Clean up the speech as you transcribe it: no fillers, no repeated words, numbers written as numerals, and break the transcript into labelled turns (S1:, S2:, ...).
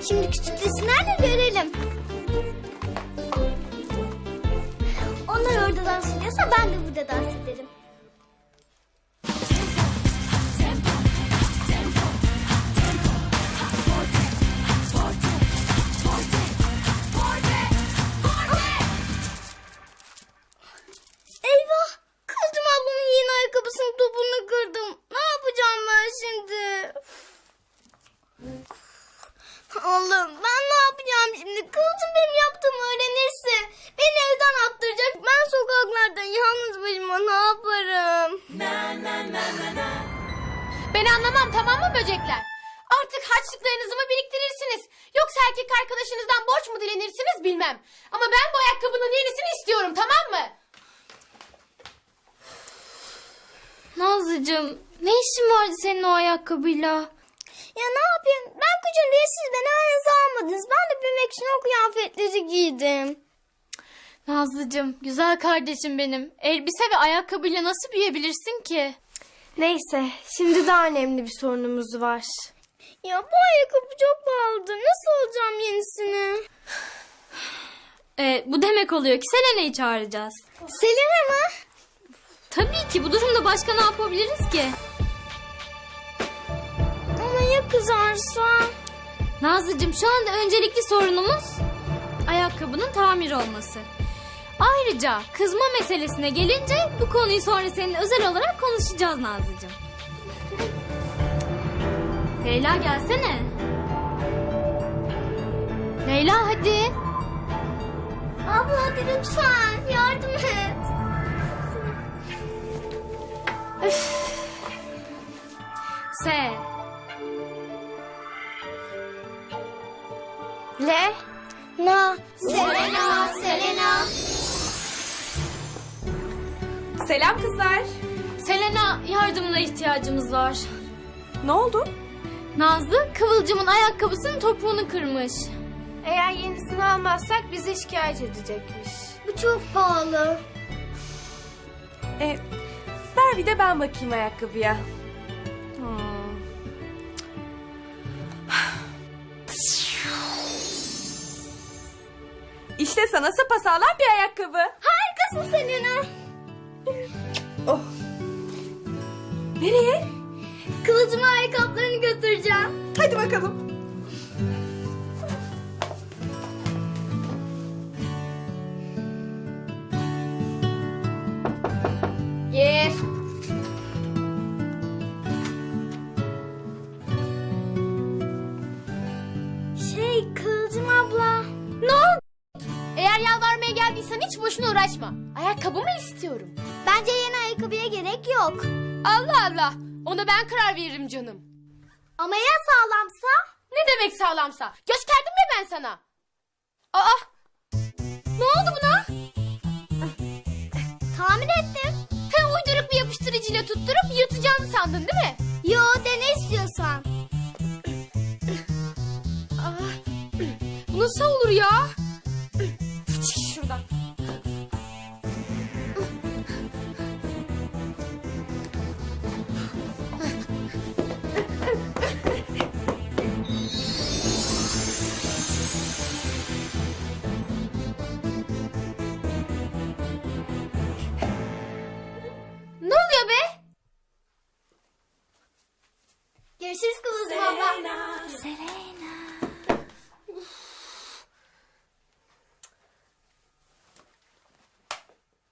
S1: Şimdi küçük resimlerle görelim. Onlar orada dans ediyorsa ben de burada dans ederim. Eyvah! Kızım ablamın yeni ayakkabısının topunu kırdım. Ne yapacağım ben şimdi? Allah'ım ben ne yapacağım şimdi? Kızım benim yaptığımı öğrenirse beni evden attıracak. Ben sokaklarda yalnız başıma ne yaparım?
S2: Ben anlamam, tamam mı böcekler? Artık harçlıklarınızı mı biriktirirsiniz? Yoksa erkek arkadaşınızdan borç mu dilenirsiniz bilmem. Ama ben bu ayakkabının yenisini istiyorum, tamam mı?
S1: Nazlıcığım ne işin vardı senin o ayakkabıyla? Ya ne yapayım? Ben küçüğüm diye siz beni aranıza almadınız. Ben de büyümek için o kıyafetleri giydim.
S2: Nazlıcığım, güzel kardeşim benim. Elbise ve ayakkabıyla nasıl büyüyebilirsin ki?
S3: Neyse, şimdi daha önemli bir sorunumuz var.
S1: Ya bu ayakkabı çok pahalıdır. Nasıl alacağım yenisini?
S3: Bu demek oluyor ki Selena'yı çağıracağız.
S1: Selena mı?
S3: Tabii ki, bu durumda başka ne yapabiliriz ki?
S1: Ama ya kızarsa?
S3: Nazlıcığım, şu anda öncelikli sorunumuz ayakkabının tamir olması. Ayrıca kızma meselesine gelince bu konuyu sonra seninle özel olarak konuşacağız Nazlıcığım. Leyla gelsene. Leyla hadi.
S1: Abla hadi lütfen yardım et.
S3: S. L.
S1: Na. Selena, Selena.
S4: Selam kızlar.
S3: Selena, yardımına ihtiyacımız var.
S4: Ne oldu?
S3: Nazlı Kıvılcım'ın ayakkabısının topuğunu kırmış.
S2: Eğer yenisini almazsak bizi şikayet edecekmiş.
S1: Bu çok pahalı.
S4: Ver bir de ben bakayım ayakkabıya. İşte sana sapasağlam bir ayakkabı.
S1: Harikasın Selena.
S4: Oh. Nereye?
S1: Kılıcıma ayakkabılarını götüreceğim.
S4: Hadi bakalım.
S2: Gir.
S1: Kılıcım abla.
S2: Ne oldu? Eğer yalvarmaya geldiysen hiç boşuna uğraşma. Ayakkabımı istiyorum.
S1: Bence yeni ayakkabıya gerek yok.
S2: Allah Allah. Ona ben karar veririm canım.
S1: Ama ya sağlamsa?
S2: Ne demek sağlamsa? Gösterdim ya ben sana. Aa! Ne oldu buna?
S1: Tahmin ettim.
S2: He, uyduruk bir yapıştırıcıyla tutturup yırtacağını sandın değil mi?
S1: Yo dene istiyorsan.
S2: Bu nasıl olur ya? Çık şuradan. Ne oluyor be?
S1: Görüşürüz Kılıcım abla. Selena.